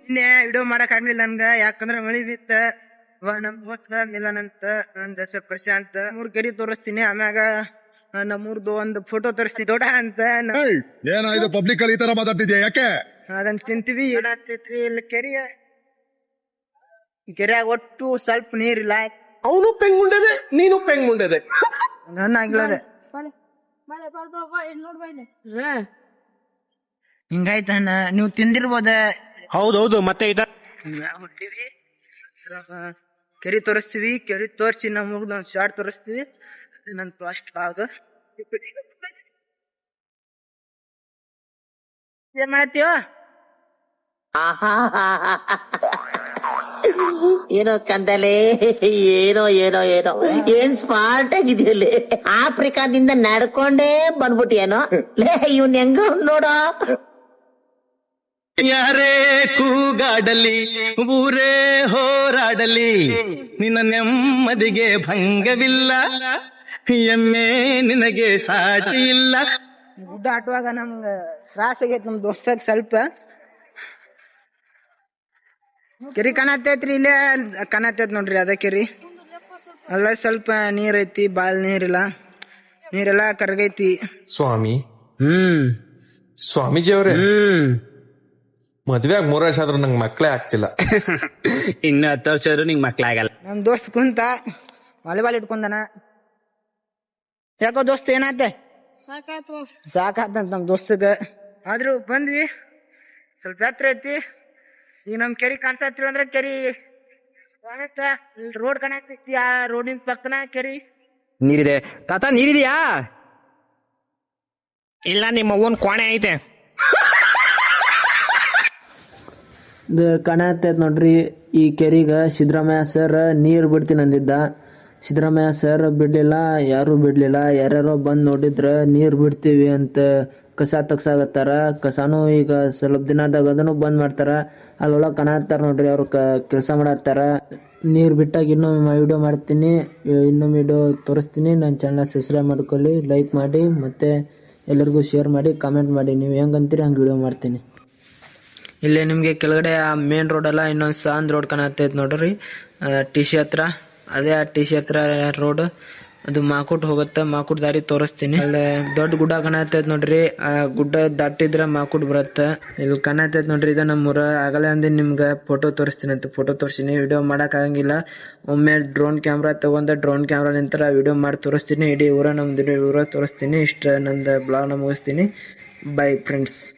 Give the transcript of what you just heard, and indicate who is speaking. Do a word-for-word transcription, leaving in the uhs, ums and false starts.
Speaker 1: ನಿನ್ನೆ ವಿಡಿಯೋ ಮಾಡಕ್ ಆಗ್ಲಿಲ್ಲ ನನ್ಗ, ಯಾಕಂದ್ರ ಮಳಿ ಬಿತ್ತ. ನಮ್ ದೋಸ್ತ ಮಿಲನ್ ಅಂತ, ನನ್ ಹೆಸರು ಪ್ರಶಾಂತ್. ಮೂರ್ ಕೆರಿ ತೋರಿಸ್ತೀನಿ, ಆಮ್ಯಾಗ ನಮ್ಮೂರ್ದು ಒಂದು ಫೋಟೋ ತೋರಿಸ್ತೀನಿ ದೊಡ್ಡ ಅಂತ.
Speaker 2: ಏನಾಯ್ತು ಪಬ್ಲಿಕ್ ಅಲ್ಲಿ ಈ ತರ ಮಾತಾಡ್ತಿದ್ಯಾ, ಯಾಕೆ?
Speaker 1: ಅದನ್ನ ತಿಂತೀವಿ. ಏನಾಗ್ತೈತ್ರಿ ಇಲ್ಲಿ ಕೆರಿಯ ಕೆರೆಯಾಗ ಒಟ್ಟು ಸ್ವಲ್ಪ ನೀರಿಲ್ಲ.
Speaker 3: ಅವನು ಪೆಂಗುಂಡದೆ, ನೀನು ಪೆಂಗುಂಡದೆ.
Speaker 1: ನನ್ನ ಆಗ್ಲದೆ ಹಿಂಗಾಯ್ತಣ್ಣ. ನೀವು ತಿಂದಿರ್ಬೋದ.
Speaker 3: ಹೌದೌದು. ಮತ್ತೆ ಇದ
Speaker 1: ಹುಟ್ಟಿವಿ ಕೆರಿ ತೋರಿಸ್ತೀವಿ. ಕೆರಿ ತೋರಿಸಿ ನಮ್ಗೆ ಒಂದು ಶಾರ್ಟ್ ತೋರಿಸ್ತೀವಿ. ನನ್ ಫಸ್ಟ್ ಭಾಗ ಏನ್ ಮಾಡತ್ತೀವ?
Speaker 4: ಏನೋ ಕಂದಲೆ, ಏನೋ ಏನೋ ಏನೋ ಏನ್ ಸ್ಮಾರ್ಟ್ ಆಗಿದೆಯಲ್ಲಿ. ಆಫ್ರಿಕಾದಿಂದ ನಡ್ಕೊಂಡೇ ಬಂದ್ಬಿಟ್ಟಿಯೇನೋ. ಲೇ ಇವ್ನ್ ಹೆಂಗ ನೋಡೋ.
Speaker 5: ಯಾರೇ ಕೂಗಾಡಲಿ, ಊರೇ ಹೋರಾಡಲಿ, ನಿನ್ನ ನೆಮ್ಮದಿಗೆ ಭಂಗವಿಲ್ಲ, ಎಮ್ಮೆ ನಿನಗೆ ಸಾಟಿ ಇಲ್ಲ.
Speaker 1: ಗುಡ್ಡ ಆಟುವಾಗ ನಮ್ಗ ತ್ರಾಸ ಆಗೈತ್ ನಮ್ ದೋಸ್ತಾಗ. ಸ್ವಲ್ಪ ಕೆರಿ ಕಾಣತೈತ್ರಿ, ಇಲ್ಲೇ ಕಾಣತೈತ್ ನೋಡ್ರಿ. ಅದ ಕೆರಿ ಅಲ್ಲ, ಸ್ವಲ್ಪ ನೀರ್ ಐತಿ, ಬಾಳ್ ನೀರಿಲ್ಲ. ನೀರೆಲ್ಲಾ ಕರಗೈತಿ.
Speaker 6: ಸ್ವಾಮಿ,
Speaker 3: ಹ್ಮ್
Speaker 6: ಸ್ವಾಮೀಜಿ ಅವ್ರೆ,
Speaker 3: ಹ್ಮ್
Speaker 6: ಮದ್ವೆ ಆಗ ಮೂರ್ ವರ್ಷ ಆದ್ರೂ ನಂಗೆ ಮಕ್ಳೇ ಆಗ್ತಿಲ್ಲ.
Speaker 3: ಇನ್ನು ಹತ್ತು ವರ್ಷ ಆದ್ರೂ ನಿಂಗ್ ಮಕ್ಳ ಆಗಲ್ಲ.
Speaker 1: ನಮ್ ದೋಸ್ತ್ ಕುಂತ ವಾಲಿಬಾಲ್ ಇಟ್ಕೊಂಡನ. ಯಾಕೋ ದೋಸ್ತ್ ಏನಾತೆ? ಸಾಕಾತಂತ ನಮ್ ದೋಸ್ತಗ. ಆದ್ರೂ ಬಂದ್ವಿ. ಸ್ವಲ್ಪ ಹತ್ರ ಐತಿ. ಈಗ ನಮ್ ಕೆರಿ ಕಾಣಿಸತ್ರಿ ಅಂದ್ರ ಕೆರಿ ಕಾಣತ್ತ. ರೋಡ್ ಕಾಣತೈತಿ, ಆ ರೋಡಿನ ಪಕ್ಕನ ಕೆರಿ.
Speaker 3: ನೀರಿದೆ ತಾತ, ನೀರಿದೆಯಾ? ಇಲ್ಲ, ನಿಮ್ಮ ಅವ್ವನ್ ಕೋಣೆ ಐತೆ.
Speaker 7: ಕಾಣತೈತ್ ನೋಡ್ರಿ. ಈ ಕೆರಿಗ ಸಿದ್ದರಾಮಯ್ಯ ಸರ್ ನೀರ್ ಬಿಡ್ತೀನಿ ಅಂದಿದ್ದ. ಸಿದ್ದರಾಮಯ್ಯ ಸರ್ ಬಿಡ್ಲಿಲ್ಲ, ಯಾರು ಬಿಡ್ಲಿಲ್ಲ. ಯಾರ್ಯಾರೋ ಬಂದ್ ನೋಡಿದ್ರ ನೀರ್ ಬಿಡ್ತೀವಿ ಅಂತ ಕಸ ತಗ್ಸಾಗತ್ತಾರ. ಕಸಾನು ಈಗ ಸ್ವಲ್ಪ ದಿನದಾಗ ಅದನ್ನು ಬಂದ್ ಮಾಡ್ತಾರ. ಅಲ್ಲೊಳಗ ಕಾಣತ್ತಾರ ನೋಡ್ರಿ, ಅವ್ರು ಕೆಲಸ ಮಾಡತ್ತಾರ. ನೀರ್ ಬಿಟ್ಟಾಗ ಇನ್ನೊಮ್ಮೆ ವಿಡಿಯೋ ಮಾಡ್ತೀನಿ, ಇನ್ನೊಮ್ಮೆ ವಿಡಿಯೋ ತೋರಿಸ್ತೀನಿ. ನನ್ನ ಚಾನಲ್ ಸಬ್ಸ್ಕ್ರೈಬ್ ಮಾಡ್ಕೊಳ್ಳಿ, ಲೈಕ್ ಮಾಡಿ, ಮತ್ತೆ ಎಲ್ಲರಿಗೂ ಶೇರ್ ಮಾಡಿ, ಕಾಮೆಂಟ್ ಮಾಡಿ. ನೀವು ಹೆಂಗಂತೀರಿ ಹಂಗೆ ವಿಡಿಯೋ ಮಾಡ್ತೀನಿ. ಇಲ್ಲೇ ನಿಮಗೆ ಕೆಳಗಡೆ ಆ ಮೇನ್ ರೋಡ್ ಅಲ್ಲ, ಇನ್ನೊಂದು ಸಾಂದ್ ರೋಡ್ ಕಾಣತೈತ್ ನೋಡ್ರಿ, ಟಿ ಸಿ ಹತ್ರ. ಅದೇ ಆ ಟಿ ಸಿ ಹತ್ರ ರೋಡ್, ಅದು ಮಾಕುಟ್ ಹೋಗುತ್ತೆ. ಮಾಕುಟ್ ದಾರಿ ತೋರಿಸ್ತೀನಿ. ಅಲ್ಲಿ ದೊಡ್ಡ ಗುಡ್ಡ ಕಾಣತೈತ್ ನೋಡ್ರಿ, ಆ ಗುಡ್ಡ ದಾಟಿದ್ರ ಮಾಕುಟ್ ಬರುತ್ತೆ. ಇಲ್ಲಿ ಕಾಣತೈತ್ ನೋಡ್ರಿ, ಇದು ನಮ್ಮೂರ. ಆಗಲೇ ಅಂದಿನ ನಿಮ್ಗೆ ಫೋಟೋ ತೋರಿಸ್ತೀನಿ ಅಂತ ಫೋಟೋ ತೋರಿಸ್ತೀನಿ. ವಿಡಿಯೋ ಮಾಡಕ್ ಆಗಂಗಿಲ್ಲ. ಒಮ್ಮೆ ಡ್ರೋನ್ ಕ್ಯಾಮ್ರಾ ತಗೊಂಡ ಡ್ರೋನ್ ಕ್ಯಾಮ್ರಾ ನಿಂತರ ವಿಡಿಯೋ ಮಾಡಿ ತೋರಿಸ್ತೀನಿ. ಇಡೀ ಊರ ನಮ್ದು ಊರ ತೋರಿಸ್ತೀನಿ. ಇಷ್ಟ ನಂದು ಬ್ಲಾಗ್ನ ಮುಗಿಸ್ತೀನಿ. Bye friends.